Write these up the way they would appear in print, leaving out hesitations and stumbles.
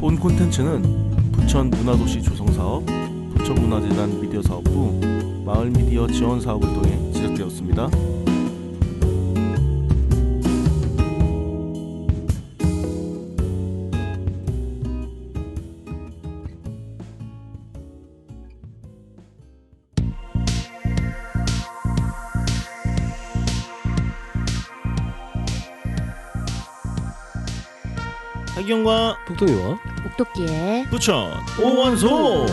본 콘텐츠는 부천 문화도시 조성사업, 부천문화재단 미디어사업부, 마을미디어 지원사업을 통해 제작되었습니다. 하기영과 폭동이와 옥토끼의 부천 오원소.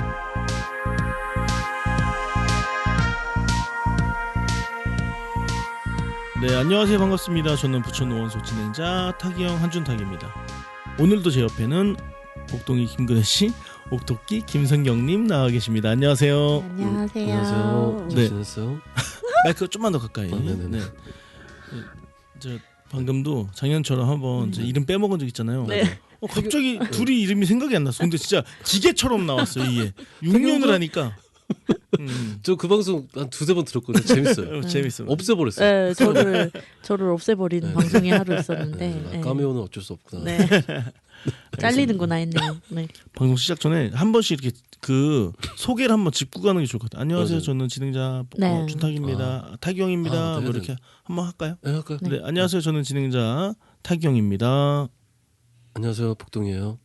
네, 안녕하세요. 반갑습니다. 저는 부천 오원소 진행자 타기영 한준탁입니다. 오늘도 제 옆에는 옥동이 김근혜씨, 옥토끼 김성경님 나와 계십니다. 안녕하세요. 안녕하세요. 안녕하세요. 잘 네. 지냈어요? 마이크 좀만 더 가까이. 네네네. 네. 저 방금도 작년처럼 한번 저 이름 빼먹은 적 있잖아요. 네. 갑자기 둘이 이름이 생각이 안 났어. 근데 진짜 기계처럼 나왔어요. 이게 6년을 하니까. 저 그 방송 한 두세 번 들었거든요. 재밌어요. 재밌어요. 없애버렸어요. 네, 저를 없애버린 네. 방송이 하루 있었는데 네. 까메오는 어쩔 수 없구나. 네. 잘리는구나 했네요. 네. 방송 시작 전에 한 번씩 이렇게 그 소개를 한번 짚고 가는 게 좋을 것 같아요. 안녕하세요. 맞아요. 저는 진행자 네. 준탁입니다. 타기영입니다. 네, 뭐 네. 이렇게 한번 할까요? 네, 할까요? 네. 안녕하세요. 저는 진행자 타기영입니다. 안녕하세요. 폭동이에요.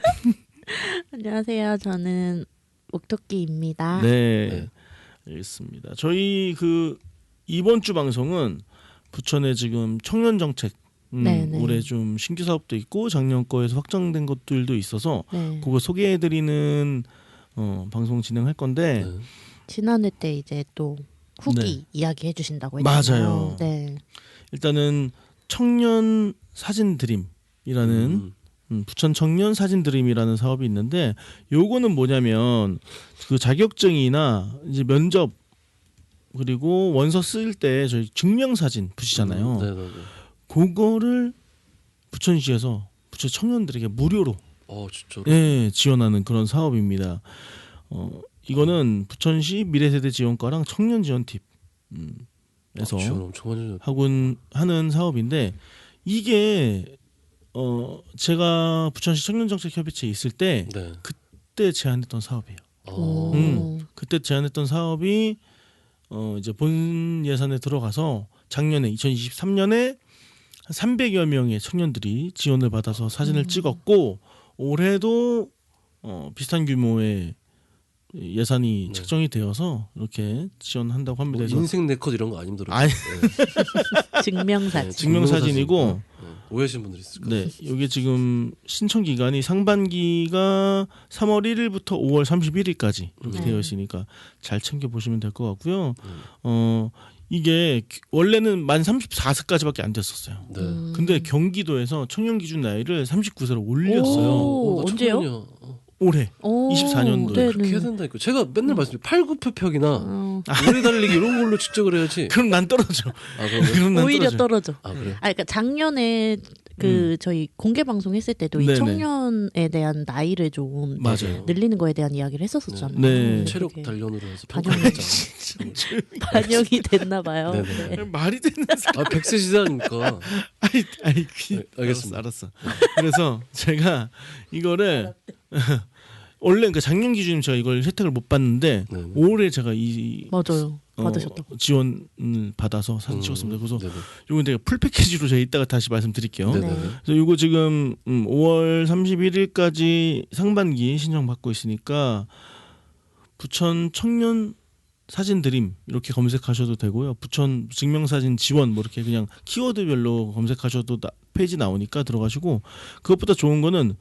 안녕하세요. 저는 옥토끼입니다. 네. 네. 알겠습니다. 저희 그 이번 주 방송은 부천의 지금 청년 정책 네네. 올해 좀 신규 사업도 있고 작년 거에서 확정된 것들도 있어서 네. 그거 소개해드리는 방송 진행할 건데 네. 지난해 때 이제 또 후기 네. 이야기 해주신다고 했잖아요. 맞아요. 네. 일단은 청년 사진 드림이라는 부천 청년 사진 드림이라는 사업이 있는데 요거는 뭐냐면 그 자격증이나 이제 면접 그리고 원서 쓸 때 저희 증명 사진 붙이잖아요. 네, 네, 네. 그거를 부천시에서 부천 청년들에게 무료로 진짜로. 예, 지원하는 그런 사업입니다. 이거는 부천시 미래세대 지원과랑 청년 지원팁 에서 지원 엄청 많이 하는 사업인데 이게 제가 부천시 청년정책협의체에 있을 때 네. 그때 제안했던 사업이에요. 오. 그때 제안했던 사업이 이제 본 예산에 들어가서 작년에 2023년에 300여 명의 청년들이 지원을 받아서 사진을 찍었고 올해도 비슷한 규모의 예산이 네. 책정이 되어서 이렇게 지원한다고 합니다. 뭐 그래서 인생 네컷 이런 거 아니더라고요. 아니, 증명사진. 증명사진이고 네. 오해하시는 분들이 있을 거예요. 네, 이게 지금 신청 기간이 상반기가 3월 1일부터 5월 31일까지 이렇게 네. 되어 있으니까 잘 챙겨 보시면 될 것 같고요. 이게 원래는 만 34세까지밖에 안 됐었어요. 네. 근데 경기도에서 청년 기준 나이를 39세로 올렸어요. 오, 나 언제요? 청년이야. 올해. 오, 24년도에 네네. 그렇게 해야 된다니까. 제가 맨날 말씀드린 팔굽혀펴기나 어, 오래 달리기 이런 걸로 측정을 해야지. 그럼 난 떨어져. 그런가요? 그럼 난 오히려 떨어져. 떨어져. 그래요? 그러니까 작년에 그 저희 공개 방송 했을 때도 이 네네. 청년에 대한 나이를 좀 맞아요. 늘리는 거에 대한 이이야기를 했었잖아요. 네. 근데 체력 그게 단련으로 해서 반영이 평가했잖아요. 반영이 됐나 봐요. 네네. 네. 말이 되는 100세 시대니까. 아니 네, 알겠습니다. 알았어. 그래서 제가 이거를 원래 그러니까 작년 기준이면 제가 이걸 혜택을 못 받는데 네네. 올해 제가 이 맞아요. 받으셨다고. 지원을 받아서 사진 찍었습니다. 그래서 네네. 이건 내가 풀 패키지로 제가 이따가 다시 말씀드릴게요. 네네. 그래서 이거 지금 5월 31일까지 상반기 신청 받고 있으니까 부천 청년 사진 드림 이렇게 검색하셔도 되고요. 부천 증명사진 지원 뭐 이렇게 그냥 키워드별로 검색하셔도 페이지 나오니까 들어가시고 그것보다 좋은 거는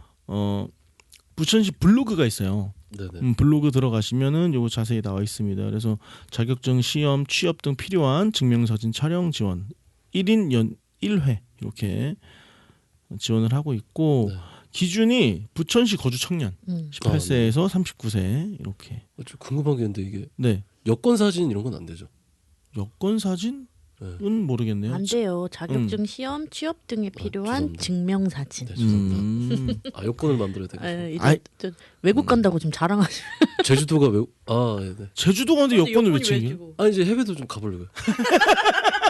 부천시 블로그가 있어요. 네네. 블로그 들어가시면은 요거 자세히 나와 있습니다. 그래서 자격증, 시험, 취업 등 필요한 증명사진 촬영 지원 1인 연 1회 이렇게 지원을 하고 있고 네. 기준이 부천시 거주 청년 18세에서 39세 이렇게. 좀 궁금한 게 있는데 이게 네. 여권 사진 이런 건 안 되죠? 여권 사진은 네. 모르겠네요. 안 돼요. 자격증, 시험, 취업 등에 필요한 죄송합니다. 증명사진. 네, 죄송합니다. 여권을 만들어야 되겠죠. 이제 아이. 저 외국 간다고 지금 자랑하시는. 제주도가 왜? 네네. 제주도 가는데 여권을 왜 챙겨? 아니 이제 해외도 좀 가보려고요.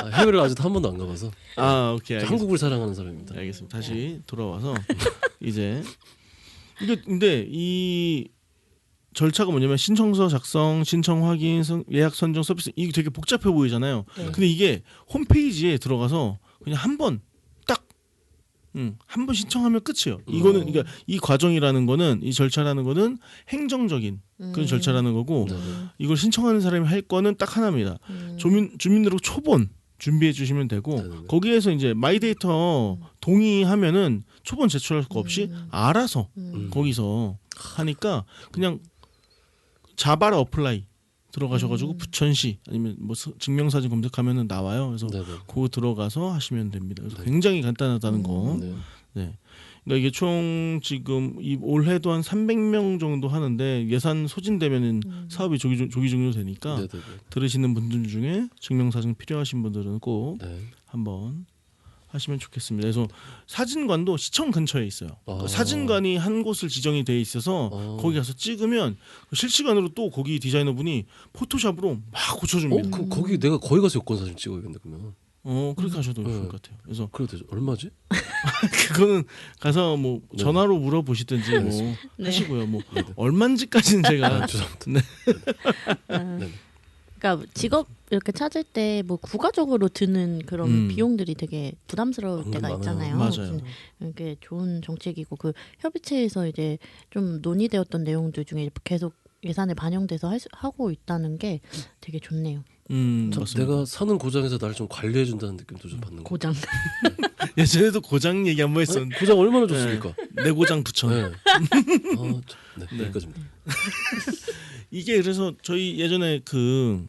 해외를 아직도 한 번도 안 가봐서 아 오케이 알겠습니다. 한국을 사랑하는 사람입니다. 알겠습니다. 다시 돌아와서 이제 이게 근데 이 절차가 뭐냐면 신청서 작성, 신청 확인, 예약 선정 서비스 이게 되게 복잡해 보이잖아요. 네. 근데 이게 홈페이지에 들어가서 그냥 한 번 딱 한 번 신청하면 끝이에요. 이거는 그러니까 이 과정이라는 거는 이 절차라는 거는 행정적인 그런 절차라는 거고 네. 이걸 신청하는 사람이 할 거는 딱 하나입니다. 주민등록 초본 준비해 주시면 되고 네네네. 거기에서 이제 마이데이터 동의하면은 초본 제출할 거 없이 알아서 거기서 하니까 그냥 자바라 어플라이 들어가셔가지고 부천시 아니면 뭐 증명사진 검색하면은 나와요. 그래서 네네. 그거 들어가서 하시면 됩니다. 그래서 굉장히 간단하다는 거. 네. 네. 그러니까 이게 총 지금 이 올해도 한 300명 정도 하는데 예산 소진되면은 사업이 조기 종료되니까 네네네. 들으시는 분들 중에 증명사진 필요하신 분들은 꼭 네. 한번 하시면 좋겠습니다. 그래서 사진관도 시청 근처에 있어요. 아. 사진관이 한 곳을 지정이 돼 있어서 거기 가서 찍으면 실시간으로 또 거기 디자이너분이 포토샵으로 막 고쳐줍니다. 거기 내가 거기 가서 여권 사진 찍어야겠네 그러면. 그렇게 하셔도 좋을 것 같아요. 그래서 그래도 되죠. 얼마지? 그거는 가서 뭐 네. 전화로 물어보시든지 뭐 네. 하시고요. 뭐 얼마인지까지는 제가 죄송합니다. 네. 그러니까 직업 이렇게 찾을 때 뭐 부가적으로 드는 그런 비용들이 되게 부담스러울 때가 많아요. 있잖아요. 맞아요. 이게 좋은 정책이고 그 협의체에서 이제 좀 논의되었던 내용들 중에 계속 예산에 반영돼서 하고 있다는 게 되게 좋네요. 그렇습니다. 내가 사는 고장에서 나를 좀 관리해 준다는 느낌도 좀 받는 거. 고장. 예전에도 고장 얘기 한번 했었는데 고장 얼마나 좋습니까? 내 고장 부천. 네. 네. 여기까지입니다. 이게 그래서 저희 예전에 그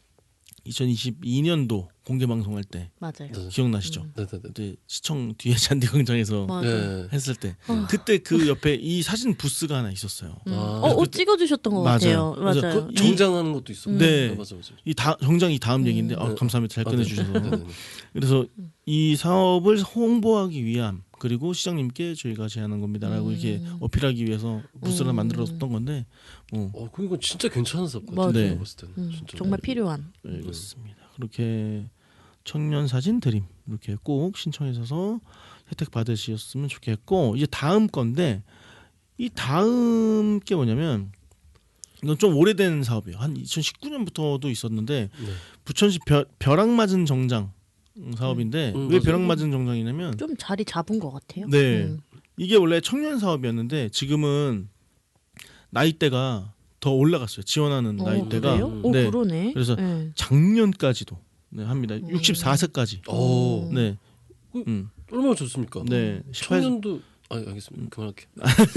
2022년도 공개 방송할 때 맞아요. 네. 기억나시죠? 네네네. 그때 시청 뒤에 잔디광장에서 맞아요. 네. 했을 때 어. 그때 그 옆에 이 사진 부스가 하나 있었어요. 옷 찍어주셨던 것 맞아요. 같아요. 그래서 맞아요. 정장하는 것도 있어. 네. 맞아. 정장 이 다음 얘기인데 네. 감사합니다. 잘 꺼내 주셔서. 네네네. 그래서 이 사업을 홍보하기 위함 그리고 시장님께 저희가 제안한 겁니다라고 이렇게 어필하기 위해서 부스를 만들었던 건데 그건 진짜 괜찮은 사업 같아요. 맞아요. 네. 제가 봤을 때는 진짜. 정말 필요한. 그렇습니다. 그렇게 청년 사진 드림 이렇게 꼭 신청해서 혜택 받으셨으면 좋겠고 이제 다음 건데 이 다음 게 뭐냐면 이건 좀 오래된 사업이에요. 한 2019년부터도 있었는데 네. 부천시 벼락 맞은 정장 사업인데 왜 맞아요. 벼락 맞은 정장이냐면 좀 자리 잡은 것 같아요. 네 이게 원래 청년 사업이었는데 지금은 나이대가 더 올라갔어요. 지원하는 나이대가 그래요? 오, 네. 그러네. 그래서 네. 작년까지도 네, 합니다. 64세까지. 오. 네. 얼마나 좋습니까? 네. 10년도 알겠습니다. 그만할게.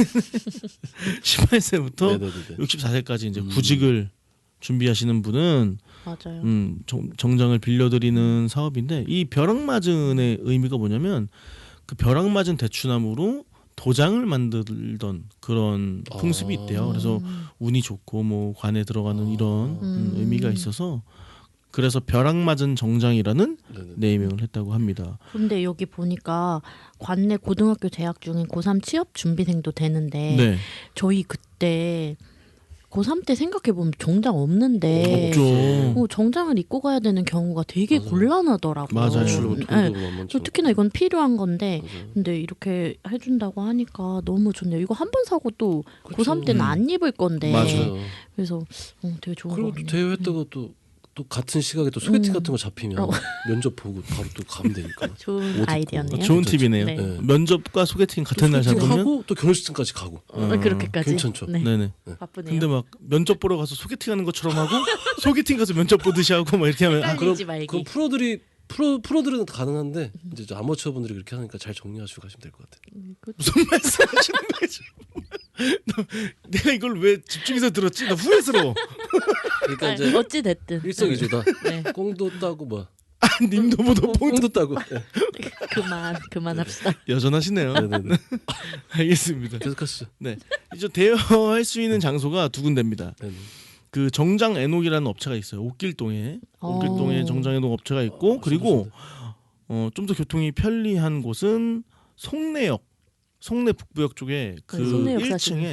18세부터 네네네. 64세까지 이제 구직을 준비하시는 분은 맞아요. 정장을 빌려드리는 사업인데 이 벼락맞은의 의미가 뭐냐면 그 벼락맞은 대추나무로 도장을 만들던 그런 풍습이 있대요. 그래서 운이 좋고 뭐 관에 들어가는 이런 의미가 있어서 그래서 벼락맞은 정장이라는 네네. 네이밍을 했다고 합니다. 근데 여기 보니까 관내 고등학교 재학 중인 고3 취업 준비생도 되는데 네. 저희 그때 고3 때 생각해보면 정장 없는데 없죠. 정장을 입고 가야 되는 경우가 되게 맞아요. 곤란하더라고요. 맞아요. 지출은 네. 돈도 만만치 않고. 특히나 이건 필요한 건데 맞아요. 근데 이렇게 해준다고 하니까 너무 좋네요. 이거 한 번 사고 또 그쵸. 고3 때는 안 입을 건데 맞아요. 그래서 되게 좋은 거 그리고 또 같네요. 대여했다가 또 같은 시각에 또 소개팅 같은 거 잡히면 어. 면접 보고 바로 또 가면 되니까. 좋은 입고. 아이디어네요. 좋은 괜찮죠. 팁이네요. 네. 네. 면접과 소개팅 같은 날 소개팅 잡으면 하고 또 결혼식장까지 가고. 그렇게까지. 괜찮죠. 네. 네네. 바쁘네요. 근데 막 면접 보러 가서 소개팅하는 것처럼 하고 소개팅 가서 면접 보듯이 하고 막 이렇게 하면 헷갈리지 말기. 그럼 프로들은 가능한데 이제 저 아마추어 분들이 그렇게 하니까 잘 정리하시고 가시면 될 것 같아요. 무슨 말씀하시는 거죠? 내가 이걸 왜 집중해서 들었지? 나 후회스러워. 그러니까 이제 어찌 됐든 일석이조다. 네. 꽁도 따고 뭐 님도 보도 꽁도 따고. 그만합시다. 여전하시네요. 네네네. 알겠습니다. 계속하시죠. 네, 이제 대여할 수 있는 장소가 두 군데입니다. 네네. 그 정장 애녹이라는 업체가 있어요. 옥길동에 정장 애녹 업체가 있고 그리고 좀 더 교통이 편리한 곳은 송내 북부역 쪽에 그 송내역 1층에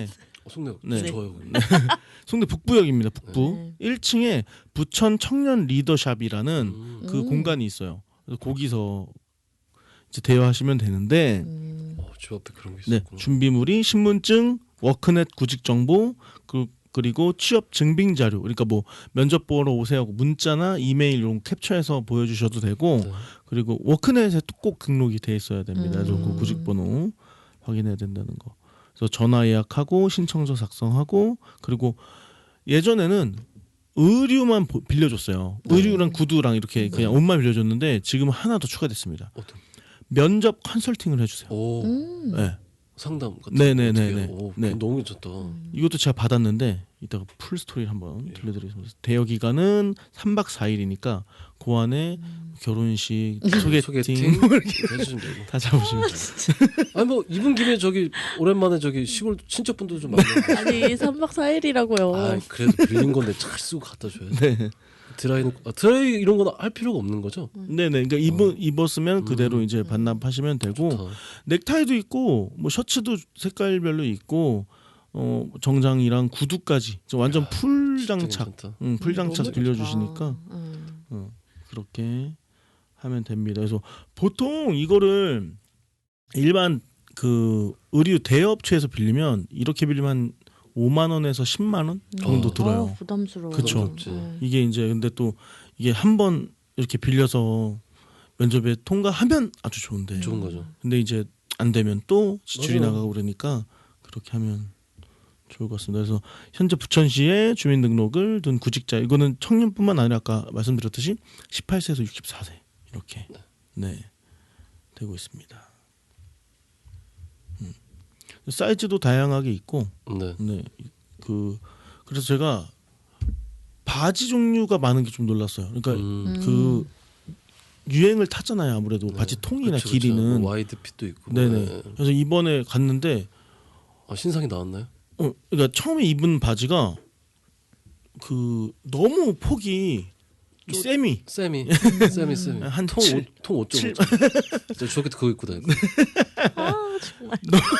송내 네. 좋아요. 거기. 송대 북부역입니다. 북부 네. 1층에 부천 청년 리더샵이라는 그 음. 공간이 있어요. 그래서 거기서 이제 대여하시면 되는데 집 앞에 그런 게 네, 있었구나. 준비물이 신분증, 워크넷 구직 정보, 그리고 취업 증빙 자료. 그러니까 뭐 면접 보러 오세요 하고 문자나 이메일 이런 거 캡처해서 보여주셔도 되고, 네. 그리고 워크넷에 꼭 등록이 돼 있어야 됩니다. 그래서 그 음. 구직 번호 확인해야 된다는 거. 그래서 전화 예약하고 신청서 작성하고, 그리고 예전에는 의류만 빌려줬어요. 의류랑 구두랑 이렇게 그냥 옷만 빌려줬는데 지금 하나 더 추가됐습니다. 어떤? 면접 컨설팅을 해주세요. 오 네. 상담 같은 네네네네. 거 어떻게 해요? 오, 네. 너무 괜찮다. 이것도 제가 받았는데 이따가 풀 스토리를 한번 들려드리겠습니다. 대여 기간은 3박 4일이니까 그 안에 결혼식, 소개팅 뭐 이렇게 해주시면 되고. 다 잡으시면 돼요. 아니 뭐 이분 김에 저기 오랜만에 저기 시골 친척분들 좀 만나고. 아니 3박 4일이라고요. 아 그래도 빌린 건데 잘 쓰고 갖다 줘야지. 네. 드라이 이런 건 할 필요가 없는 거죠? 네네. 그러니까 입었으면 그대로 이제 반납하시면 되고 좋다. 넥타이도 있고 뭐 셔츠도 색깔별로 있고 정장이랑 구두까지 완전 풀 진짜 장착, 괜찮다. 풀 장착 너무 빌려주시니까 좋다. 그렇게 하면 됩니다. 그래서 보통 이거를 일반 그 의류 대여업체에서 빌리면 이렇게 빌리면 한 5만 원에서 10만 원 정도 들어요. 부담스러워. 그쵸. 부담스럽지. 이게 이제 근데 또 이게 한번 이렇게 빌려서 면접에 통과하면 아주 좋은데 좋은 거죠. 근데 이제 안 되면 또 지출이 맞아요. 나가고 그러니까 그렇게 하면 좋을 것 같습니다. 그래서 현재 부천시에 주민등록을 둔 구직자 이거는 청년뿐만 아니라 아까 말씀드렸듯이 18세에서 64세 이렇게 네 되고 있습니다. 사이즈도 다양하게 있고 네. 네 그래서 제가 바지 종류가 많은 게 좀 놀랐어요. 그러니까 그 유행을 탔잖아요. 아무래도 바지 통이나 그쵸, 길이는 뭐 와이드 핏도 있고. 네네. 네. 그래서 이번에 갔는데 신상이 나왔나요? 그러니까 처음에 입은 바지가 그 너무 폭이 세미 쌤이 한 통 7. 5.5. 저 저렇게 그거 입고 다니고. 아 정말.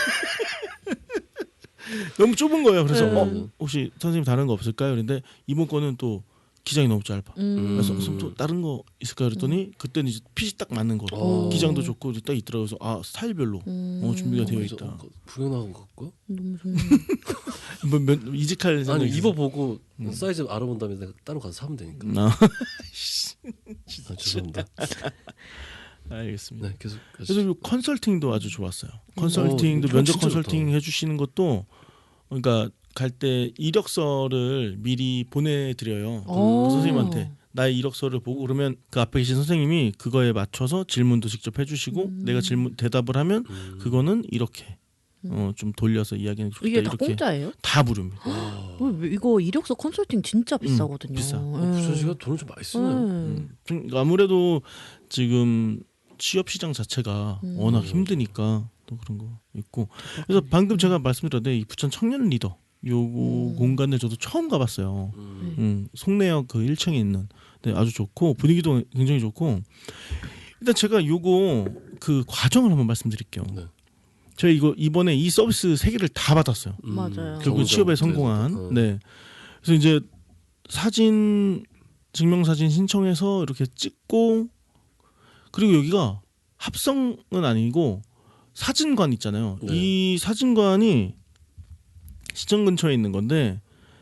너무 좁은 거예요. 그래서 네. 혹시 선생님 다른 거 없을까요? 그런데 이번 거는 또 기장이 너무 짧아. 그래서 선생님 또 다른 거 있을까요? 그랬더니 그때는 이제 핏이 딱 맞는 거. 오. 기장도 좋고 딱 있더라고요. 그래서 스타일별로 준비가 되어 그래서 있다. 구경 나간 거 같고. 너무 좋네. 이직할 아니 생각이 있어요? 입어보고 사이즈 알아본 다음에 내가 따로 가서 사면 되니까. 아, 죄송합니다. 알겠습니다. 네 계속. 그래서 이 컨설팅도 아주 좋았어요. 컨설팅도 이거 면접 진짜 컨설팅 좋다. 해주시는 것도 그러니까 갈 때 이력서를 미리 보내드려요. 오. 선생님한테 나의 이력서를 보고 그러면 그 앞에 계신 선생님이 그거에 맞춰서 질문도 직접 해주시고 내가 질문 대답을 하면 그거는 이렇게 좀 돌려서 이야기는 좋다 이게 다 이렇게 공짜예요? 다 무료입니다. 이거 이력서 컨설팅 진짜 비싸거든요. 비싸. 부천시가 돈을 좀 많이 쓰네요. 그러니까 아무래도 지금 취업 시장 자체가 워낙 힘드니까 또 그런 거 있고 그래서 방금 제가 말씀드렸는데 이 부천 청년 리더 요거 공간을 저도 처음 가봤어요. 송내역 그 1층에 있는 네, 아주 좋고 분위기도 굉장히 좋고 일단 제가 요거 그 과정을 한번 말씀드릴게요. 네. 제가 이거 이번에 이 서비스 3개를 다 받았어요. 맞아요. 결국 취업에 성공한. 그래서, 네. 그래서 이제 사진 증명사진 신청해서 이렇게 찍고 그리고 여기가 합성은 아니고 사진관 있잖아요. 네. 이 사진관이 시청 근처에 있는 건데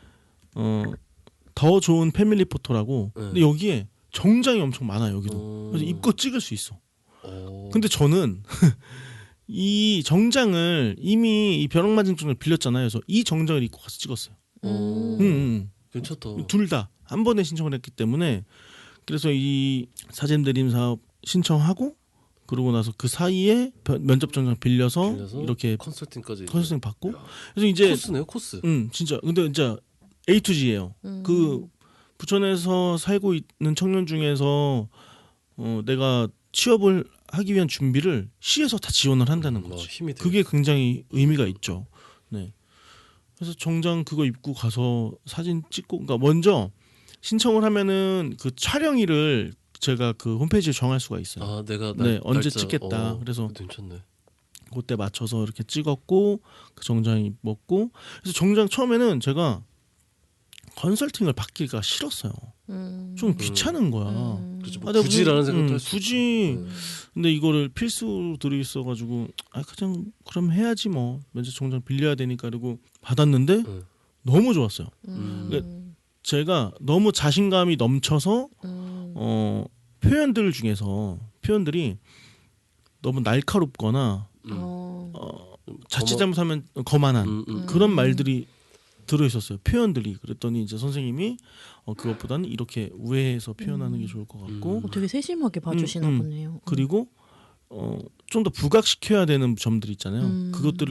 더 좋은 패밀리 포토라고. 네. 근데 여기에 정장이 엄청 많아요. 여기도. 그래서 입고 찍을 수 있어. 근데 저는 이 정장을 이미 이 벼락맞은 빌렸잖아요. 그래서 이 정장을 입고 가서 찍었어요. 괜찮다. 둘 다 한 번에 신청을 했기 때문에 그래서 이 사진 드림 사업 신청하고 그러고 나서 그 사이에 면접 정장 빌려서 이렇게 컨설팅까지. 컨설팅 받고 그래서 이제 코스네요, 코스. 진짜 근데 진짜 A to G예요. 그 부천에서 살고 있는 청년 중에서 내가 취업을 하기 위한 준비를 시에서 다 지원을 한다는 거지. 힘이 되게. 그게 굉장히 의미가 있죠. 네. 그래서 정장 그거 입고 가서 사진 찍고 그러니까 먼저 신청을 하면은 그 촬영일을 제가 그 홈페이지에 정할 수가 있어요. 아, 내가 네, 언제 날짜, 찍겠다. 그래서 괜찮네. 그때 맞춰서 이렇게 찍었고 그 정장 입었고 그래서 정장 처음에는 제가 컨설팅을 받기가 싫었어요. 좀 귀찮은 거야. 그렇죠. 아, 내가 굳이라는 무슨- 생각도 할 수 굳이 근데 이거를 필수로 들어있어가지고 아 그냥 그럼 해야지 뭐 면접 정장 빌려야 되니까 그리고 받았는데 너무 좋았어요. 제가 너무 자신감이 넘쳐서 표현들 중에서 표현들이 너무 날카롭거나 자칫 잘못하면 거만한 그런 말들이 들어있었어요. 표현들이. 그랬더니 이제 선생님이 그것보다는 이렇게 우회해서 표현하는 게 좋을 것 같고 되게 세심하게 봐주시나 보네요. 그리고 좀 더 부각시켜야 되는 점들 있잖아요.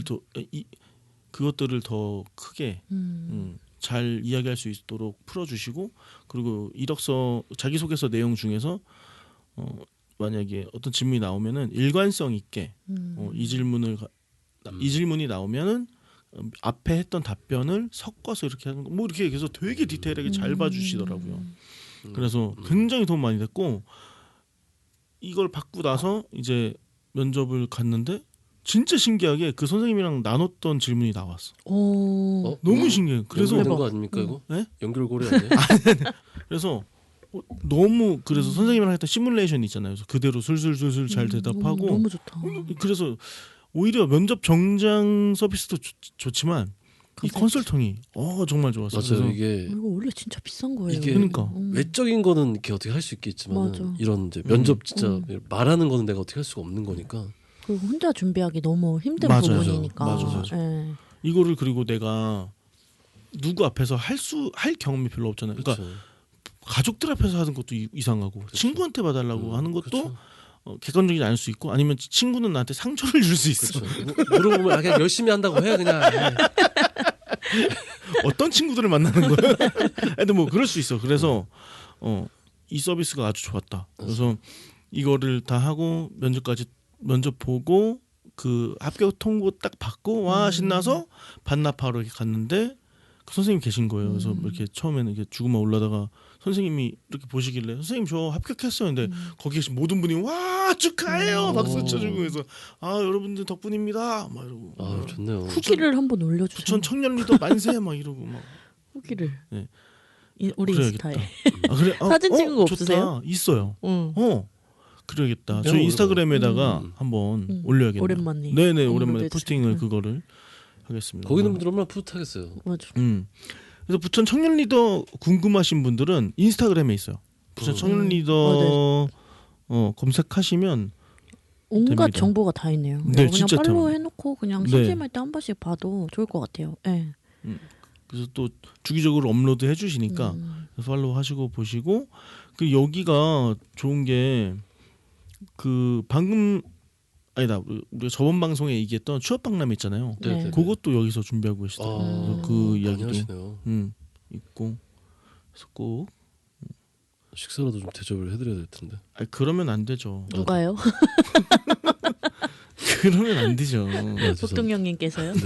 그것들을 더 크게 잘 이야기할 수 있도록 풀어주시고 그리고 이력서 자기소개서 내용 중에서 만약에 어떤 질문이 나오면은 일관성 있게 이 질문이 나오면은 앞에 했던 답변을 섞어서 이렇게 하는 거 뭐 이렇게 해서 되게 디테일하게 잘 봐주시더라고요. 그래서 굉장히 도움 많이 됐고 이걸 받고 나서 이제 면접을 갔는데 진짜 신기하게 그 선생님이랑 나눴던 질문이 나왔어. 너무 신기해요. 그래서 연결된 거 아닙니까 이거? 네? 연결고리 아니에요? 그래서 너무 그래서 선생님이랑 했던 시뮬레이션 있잖아요. 그래서 그대로 술술술술 잘 대답하고 너무 좋다. 그래서 오히려 면접 정장 서비스도 좋지만 이 컨설팅이 정말 좋았어요. 맞아요. 그래서 이게 이거 원래 진짜 비싼 거예요. 이게 그러니까. 외적인 거는 이렇게 어떻게 할 수 있겠지만 맞아. 이런 이제 면접 진짜 말하는 거는 내가 어떻게 할 수가 없는 거니까. 그리고 혼자 준비하기 너무 힘든 맞아요. 부분이니까. 맞아요. 예. 이거를 그리고 내가 누구 앞에서 할 경험이 별로 없잖아요. 그러니까 그렇죠. 가족들 앞에서 하는 것도 이상하고 친구한테 봐달라고 하는 것도 그렇죠. 객관적이지 않을 수 있고 아니면 친구는 나한테 상처를 줄 수 있어. 그렇죠. 물어보면 그냥 열심히 한다고 해 그냥. 어떤 친구들을 만나는 거야? 하여튼 뭐 그럴 수 있어. 그래서 이 서비스가 아주 좋았다. 그래서 이거를 다 하고 면접 보고 그 합격 통보 딱 받고 와 신나서 반납하러 이렇게 갔는데 그 선생님 계신 거예요. 그래서 이렇게 처음에는 이렇게 주고만 올라다가 선생님이 이렇게 보시길래 선생님 저 합격했어요. 근데 거기 계신 모든 분이 와 축하해요 박수 쳐주고 그래서 아 여러분들 덕분입니다 막 이러고 아 좋네요. 후기를 한번 올려주세요. 부천 청년 리더 만세 막 이러고 막 후기를. 네. 우리 그래야겠다. 인스타에. 아, 그래? 사진 찍은 거 좋다. 없으세요? 있어요. 그래야겠다. 네, 저희 인스타그램에다가 한번 올려야겠네요. 오랜만에. 네네 업로드 오랜만에 해주세요. 포스팅을 그거를 하겠습니다. 거기 있는 분들 얼마나 뿌듯하겠어요. 맞아. 그래서 부천 청년 리더 궁금하신 분들은 인스타그램에 있어요. 부천 청년 리더 검색하시면 온갖 됩니다. 정보가 다 있네요. 네, 그냥 진짜 팔로우 대박. 해놓고 그냥 네. 심심할 때 한 번씩 봐도 좋을 것 같아요. 네. 그래서 또 주기적으로 업로드 해주시니까 팔로우 하시고 보시고 그 여기가 좋은 게 그 방금 아니다 우리가 저번 방송에 얘기했던 취업 박람 있잖아요. 네. 그것도 여기서 준비하고 계시더라고요. 그래서 그 이야기도 하시네요. 있고 그래서 꼭 식사라도 좀 대접을 해드려야 될 텐데. 그러면 안 되죠. 누가요? 그러면 안 되죠. 복동영님께서요?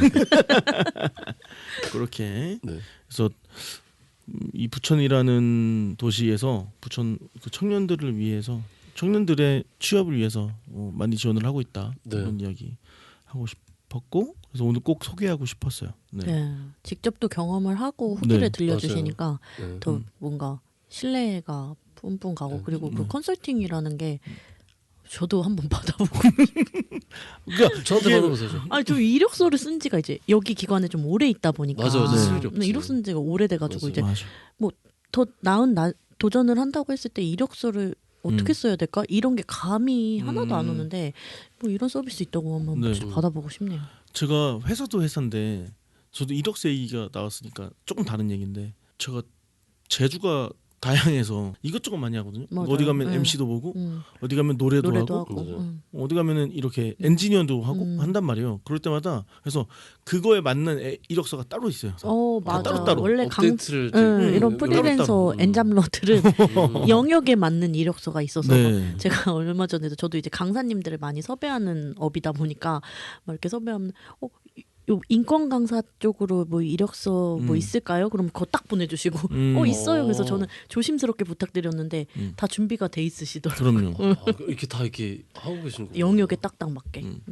그렇게 네. 그래서 이 부천이라는 도시에서 부천 그 청년들을 위해서 청년들의 취업을 위해서 많이 지원을 하고 있다 네. 이런 이야기 하고 싶었고 그래서 오늘 꼭 소개하고 싶었어요. 네. 네. 직접 또 경험을 하고 후기를 네. 들려주시니까 네. 더 뭔가 신뢰가 뿜뿜 가고 그리고 그 컨설팅이라는 게 저도 한번 받아보고 그러니까 저한테 이게- 받아보세요. 좀. 아니 저 이력서를 쓴 지가 이제 여기 기관에 좀 오래 있다 보니까 맞아, 맞아. 쓸 일이 없지. 이력 쓴 지가 오래돼가지고 맞아. 이제 맞아. 더 나은 도전을 한다고 했을 때 이력서를 어떻게 써야 될까 이런 게 감이 하나도 안 오는데 뭐 이런 서비스 있다고 한번 네. 받아보고 싶네요. 제가 회사도 회사인데 저도 이력서 얘기가 나왔으니까 조금 다른 얘기인데 제가 제주가 다양해서 이것저것 많이 하거든요. 맞아요. 어디 가면 네. MC도 보고 음, 어디 가면 노래도, 노래도 하고 하고. 맞아요. 어디 가면은 이렇게 엔지니어도 하고 한단 말이에요. 그럴 때마다 그래서 그거에 맞는 이력서가 따로 있어요. 맞아. 따로따로 원래 업데이트를 이런 프리랜서 엔잡러들은 영역에 맞는 이력서가 있어서 네. 제가 얼마 전에도 저도 이제 강사님들을 많이 섭외하는 업이다 보니까 막 이렇게 섭외하면 요 인권 강사 쪽으로 뭐 이력서 뭐 있을까요? 그럼 그거 딱 보내주시고 있어요. 그래서 저는 조심스럽게 부탁드렸는데 다 준비가 돼 있으시더라고요. 그럼요. 이렇게 다 이렇게 하고 계시는 거예요. 영역에 딱딱 맞게.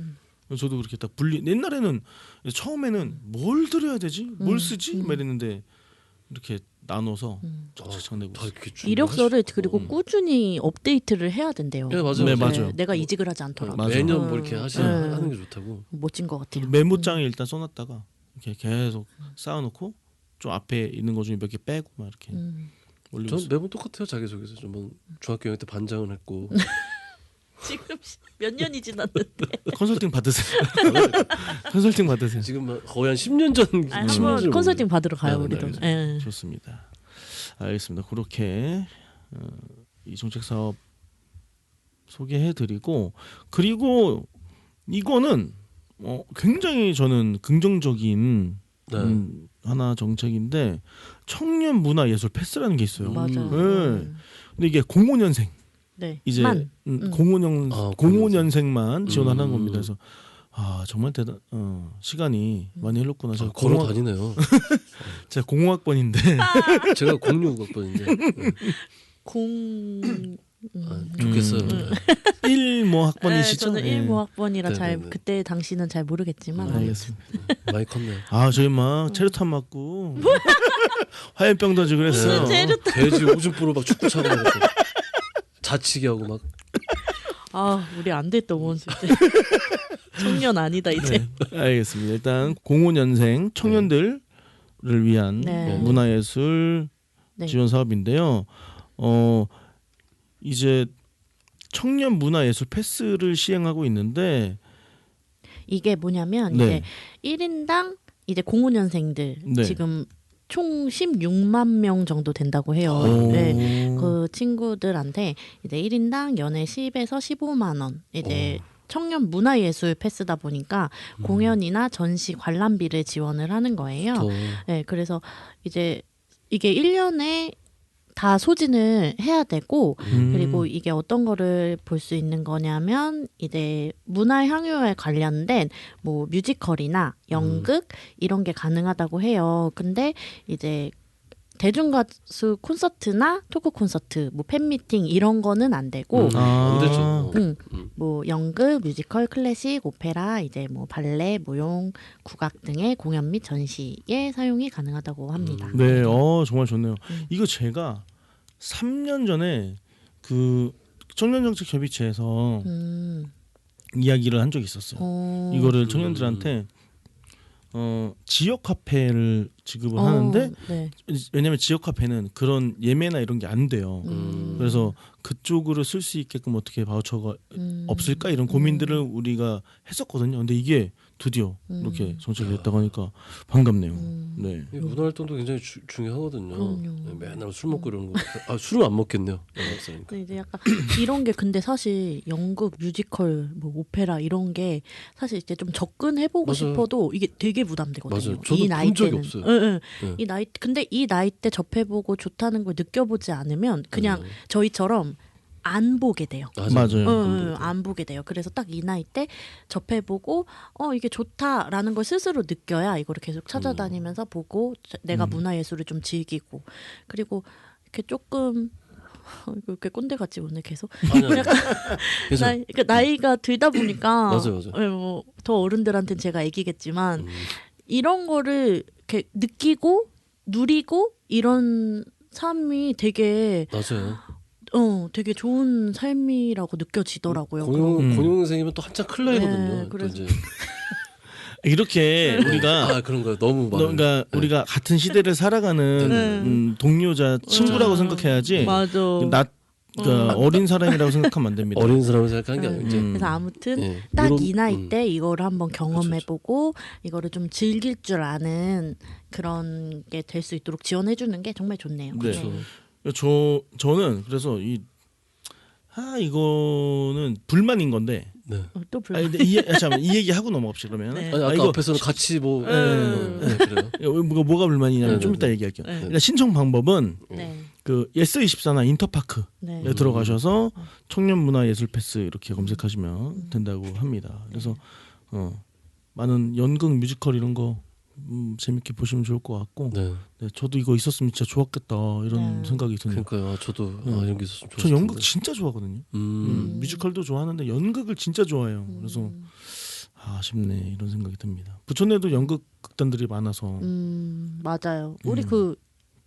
저도 그렇게 딱 분리. 옛날에는 처음에는 뭘 들어야 되지, 뭘 쓰지, 막 이랬는데 이렇게 나눠서 착착 내고. 다 이렇게 이력서를 그리고 꾸준히 업데이트를 해야 된대요. 네, 맞아요. 네, 맞아요. 내가 이직을 하지 않더라도 맞아요. 매년 뭐 이렇게 하는 게 좋다고. 멋진 것 같아요. 메모장에 일단 써놨다가 이렇게 계속 쌓아놓고 좀 앞에 있는 거 중에 몇 개 빼고 막 이렇게 올리고 전 있어요. 매번 똑같아요. 자기소개서 좀 중학교 6학년 때 반장을 했고 지금 몇 년이 지났는데 컨설팅 받으세요. 컨설팅 받으세요. 지금 거의 한 10년 전 한번 10년 전 컨설팅 받으러 가요 네, 우리도. 네, 예. 좋습니다. 알겠습니다. 그렇게 이 정책 사업 소개해드리고 그리고 이거는 굉장히 저는 긍정적인 네. 하나 정책인데 청년 문화 예술 패스라는 게 있어요. 맞아요. 네. 근데 이게 05년생 네. 이제 만. 05년생만 지원하는 겁니다. 그래서 정말 시간이 많이 흘렀구나. 제가 걸어 다니네요. 제가 00학번인데 제가 06학번인데 좋겠어요. 1모 학번이시죠? 저는 예. 1모 학번이라 네, 잘 네, 네. 그때 당시는 잘 모르겠지만 알겠습니다. 많이 컸네. 저희 막 체류탄 맞고 화염병 던지고 그랬어요. 돼지 오줌보로 막 축구 차고 이렇게 자치기 하고 막. 우리 안 됐던 원수 이제 청년 아니다 이제. 네, 알겠습니다. 일단 05년생 청년들을 위한 네. 문화예술 네. 지원 사업인데요. 이제 청년 문화예술 패스를 시행하고 있는데 이게 뭐냐면 네. 이제 1인당 이제 05년생들 네. 지금 총 16만 명 정도 된다고 해요. 오. 네. 그 친구들한테 이제 1인당 연애 10에서 15만 원 이제 청년 문화예술 패스다 보니까 공연이나 전시 관람비를 지원을 하는 거예요. 네, 그래서 이제 이게 1년에 다 소진을 해야 되고 그리고 이게 어떤 거를 볼 수 있는 거냐면 이제 문화 향유에 관련된 뭐 뮤지컬이나 연극 이런 게 가능하다고 해요. 근데 이제 대중가수 콘서트나 토크 콘서트, 뭐 팬미팅 이런 거는 안 되고 안 되죠. 뭐 연극, 뮤지컬, 클래식, 오페라, 이제 뭐 발레, 무용, 국악 등의 공연 및 전시에 사용이 가능하다고 합니다. 네, 정말 좋네요. 이거 제가 3년 전에 그 청년정책협의체에서 이야기를 한 적이 있었어요. 이거를 청년들한테 지역 화폐를 지급을 하는데 네. 왜냐하면 지역 화폐는 그런 예매나 이런 게 안 돼요. 그래서 그쪽으로 쓸 수 있게끔 어떻게 바우처가 없을까 이런 고민들을 우리가 했었거든요. 근데 이게 드디어 이렇게 정책이 됐다고 하니까 반갑네요. 네. 이 문화활동도 굉장히 중요하거든요. 그럼요. 네, 맨날 술 먹고 이러는 거. 술은 안 먹겠네요. 영화사니까. 근데 이제 약간 이런 게 근데 사실 연극, 뮤지컬, 뭐 오페라 이런 게 사실 이제 좀 접근해보고 맞아요. 싶어도 이게 되게 부담되거든요. 맞아요. 저도 이 나이 본 적이 때는. 없어요. 응. 네. 이 나이 근데 이 나이 때 접해보고 좋다는 걸 느껴보지 않으면 그냥 저희처럼 안 보게 돼요. 맞아요. 안 보게 돼요. 그래서 딱 이 나이 때 접해보고 이게 좋다라는 걸 스스로 느껴야 이거를 계속 찾아다니면서 보고 내가 문화예술을 좀 즐기고 그리고 이렇게 조금 이렇게 꼰대 같지 오늘 계속 아니요. 약간 그래서 나이가 들다 보니까 맞아요. 더 어른들한테는 제가 얘기겠지만 이런 거를 이렇게 느끼고 누리고 이런 삶이 되게 맞아요. 되게 좋은 삶이라고 느껴지더라고요. 공용생이면 또 한참 클 나이거든요. 네, 또 그래서- 이제 이렇게 우리가 그런 거요. 너무 많아요. 그러니까 우리가 같은 시대를 살아가는 동료자 친구라고 생각해야지 맞아. 그러니까 어린 사람이라고 생각하면 안 됩니다. 어린 사람을 생각하는 게 아니고 이제 그래서 아무튼 예, 딱 이런- 이 나이 때 이거를 한번 경험해보고 이거를 좀 즐길 줄 아는 그런 게 될 수 있도록 지원해주는 게 정말 좋네요. 네. 그렇죠. 저는 그래서 이거는 불만인 건데. 네. 또 불만. 근데 잠깐만 이 얘기 하고 넘어갑시다 그러면. 네. 아니 아까 이거 앞에서는 같이 뭐 그래요. 뭐가 불만이냐면 네, 좀 네, 이따 네. 얘기할게요. 네. 일단 신청 방법은 네. 그 예스24나 인터파크에 네. 들어가셔서 청년 문화 예술 패스 이렇게 검색하시면 된다고 합니다. 그래서 많은 연극 뮤지컬 이런 거 재밌게 보시면 좋을 것 같고 네. 네, 저도 이거 있었으면 진짜 좋았겠다 이런 네. 생각이 드네요. 그러니까요. 저도 이런 게 있었으면 저 좋았을 연극 텐데. 진짜 좋아하거든요. 뮤지컬도 좋아하는데 연극을 진짜 좋아해요. 그래서 아쉽네 이런 생각이 듭니다. 부천에도 연극 극단들이 많아서 맞아요. 우리 그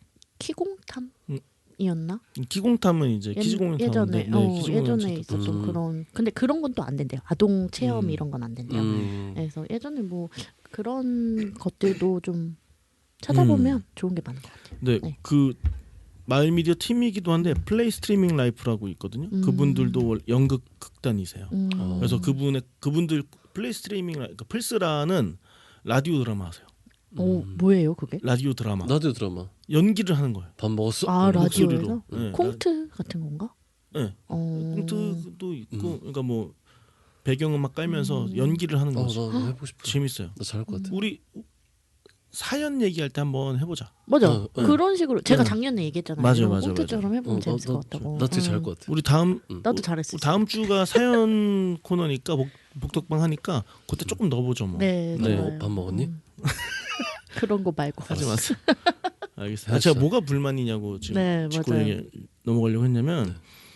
키공탐이었나? 키공탐은 이제 키즈공연 예전에 키즈공연 예전에 있었던 그런 근데 그런 건 또 안 된대요. 아동 체험 이런 건 안 된대요. 그래서 예전에 뭐 그런 것들도 좀 찾아보면 좋은 게 많은 것 같아요. 네, 네. 그 마을미디어 팀이기도 한데 플레이 스트리밍 라이프라고 있거든요. 그분들도 연극 극단이세요. 그래서 그분들 플레이 스트리밍 그러니까 플스라는 라디오 드라마 하세요. 오, 뭐예요 그게? 라디오 드라마. 라디오 드라마. 연기를 하는 거예요. 밥 먹었어? 아 목소리로. 라디오에서? 네. 콩트 같은 건가? 네. 어... 콩트도 있고, 그러니까 뭐 배경음악 깔면서 연기를 하는 거죠. 나 해보고 싶어. 재밌어요. 나 잘할 것 같아. 우리 사연 얘기할 때 한번 해보자. 맞아. 네. 그런 식으로 제가 네. 작년에 얘기했잖아요. 맞아요, 이런 맞아요, 콩트처럼 해보면 재밌을 나, 것 같다고. 나 되게 잘할 것 같아. 우리 다음 나도 잘했어. 다음 주가 사연 코너니까 복덕방 하니까 그때 조금 넣어보죠 뭐. 네, 네. 좋아요. 밥 먹었니? 그런 거 말고. 하지 마세요. 알겠어요. 알았어요. 제가 뭐가 불만이냐고 지금 네, 짚고 맞아요. 얘기 넘어가려고 했냐면,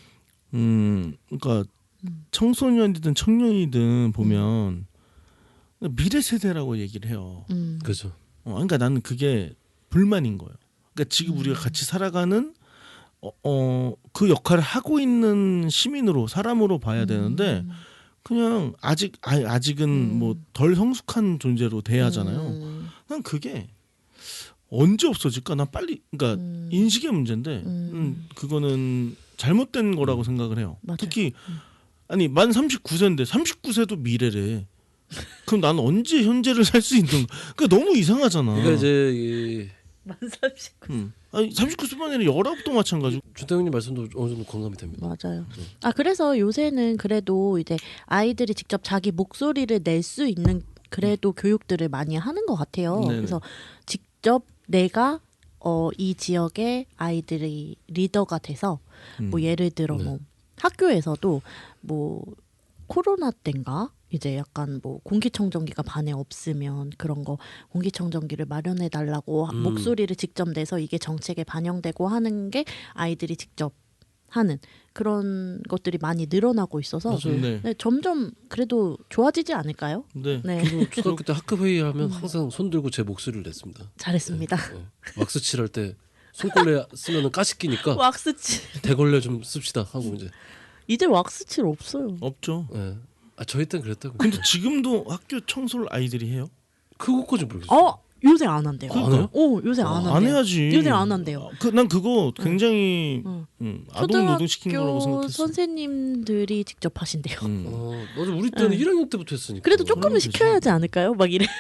그러니까 청소년이든 청년이든 보면 미래 세대라고 얘기를 해요. 그죠. 그러니까 나는 그게 불만인 거예요. 그러니까 지금 우리가 같이 살아가는 그 역할을 하고 있는 시민으로 사람으로 봐야 되는데 그냥 아직은 뭐 덜 성숙한 존재로 대하잖아요. 난 그게 언제 없어질까? 난 빨리 그러니까 인식의 문제인데 그거는 잘못된 거라고 생각을 해요. 맞아요. 특히 아니 만 39세인데 39세도 미래래. 그럼 나는 언제 현재를 살 수 있는? 그러니까 너무 이상하잖아. 그러니까 이제 만 39. 아니 39세만 아니라 19도 마찬가지고. 준태 형님 말씀도 어느 정도 공감이 됩니다. 맞아요. 아 그래서 요새는 그래도 이제 아이들이 직접 자기 목소리를 낼 수 있는 그래도 교육들을 많이 하는 것 같아요. 네네. 그래서 직접 내가 이 지역의 아이들이 리더가 돼서 뭐 예를 들어 뭐 학교에서도 뭐 코로나 때인가 이제 약간 뭐 공기청정기가 반에 없으면 그런 거 공기청정기를 마련해 달라고 목소리를 직접 내서 이게 정책에 반영되고 하는 게 아이들이 직접 하는 그런 것들이 많이 늘어나고 있어서 맞아요. 네. 네, 점점 그래도 좋아지지 않을까요? 네. 네, 저도 초등학교 때 학급 회의하면 항상 손 들고 제 목소리를 냈습니다. 잘했습니다. 네. 왁스 칠할 때 손걸레 쓰면은 가시끼니까 왁스칠 대걸레 좀 씁시다 하고 이제 왁스칠 없어요. 없죠. 네. 저희 땐 그랬다고. 근데 지금도 학교 청소를 아이들이 해요? 그거까지 모르겠어요. 요새 안 한대요. 안 해요? 요새 안 한대요. 안 해야지. 요새 안 한대요. 난 그거 굉장히 아동 노동 시킨 거라고 초등학교 생각했어. 선생님들이 직접 하신대요. 맞아. 우리 때는 1학년 때부터 했으니까. 그래도 조금은 그럼 시켜야 하지 않을까요? 막 이래.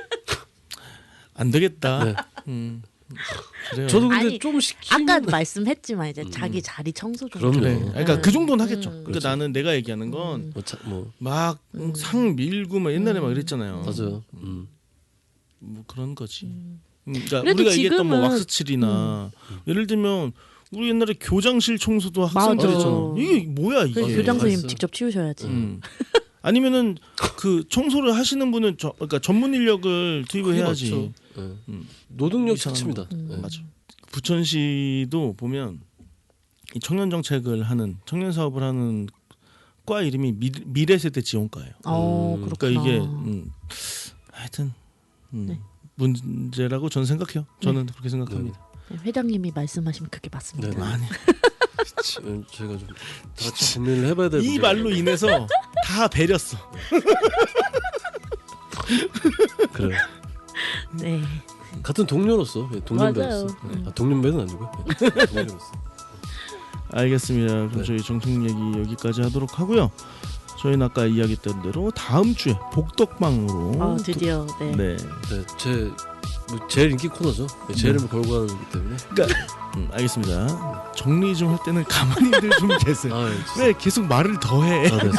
안 되겠다. 네. 그래요. 저도 근데 아니, 좀 시키면 아까 말씀했지만 이제 자기 자리 청소 좀. 그럼요. 그래. 그러니까 그 정도는 하겠죠. 그러니까 그렇죠. 나는 내가 얘기하는 건 막 뭐 상 밀고 막 옛날에 막 이랬잖아요. 맞아요. 뭐 그런 거지. 그러니까 그래도 우리가 얘기했던 뭐 지금은- 왁스칠이나 예를 들면 우리 옛날에 교장실 청소도 학생들 맞아. 했잖아. 이게 뭐야 이게? 그 교장 선생님 맛있어요. 직접 치우셔야지. 아니면은 그 청소를 하시는 분은 그러니까 전문 인력을 투입을 해야지. 그렇죠. 네. 노동력 이상한 자체입니다. 거. 네. 맞아. 부천시도 보면 이 청년 정책을 하는 청년 사업을 하는 과 이름이 미래 세대 지원과예요. 그렇구나. 그러니까 이게 하여튼 문제라고 저는 생각해요. 저는 그렇게 생각합니다. 네, 회장님이 말씀하시면 그게 맞습니다. 네. 아니 저희가 좀 다 같이 고민을 해봐야 될 이 문제가 말로 인해서 다 배렸어. 그래요. 네. 같은 동료로서 동년배로서 맞아요. 동년배는 아니고 동료로서. 알겠습니다. 그럼 네. 저희 정책 얘기 여기까지 하도록 하고요. 저희는 아까 이야기했던 대로 다음 주에 복덕방으로 드디어 네. 네, 뭐 제일 인기 코너죠. 제 이름을 걸고 하는 거기 때문에. 그러니까 알겠습니다. 정리 좀 할 때는 가만히들 좀 계세요. 아, 왜 계속 말을 더 해? 그래서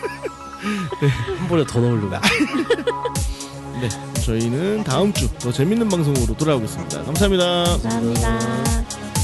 한 번에 더 넣으려고. 네, 저희는 다음 주 더 재밌는 방송으로 돌아오겠습니다. 감사합니다. 감사합니다.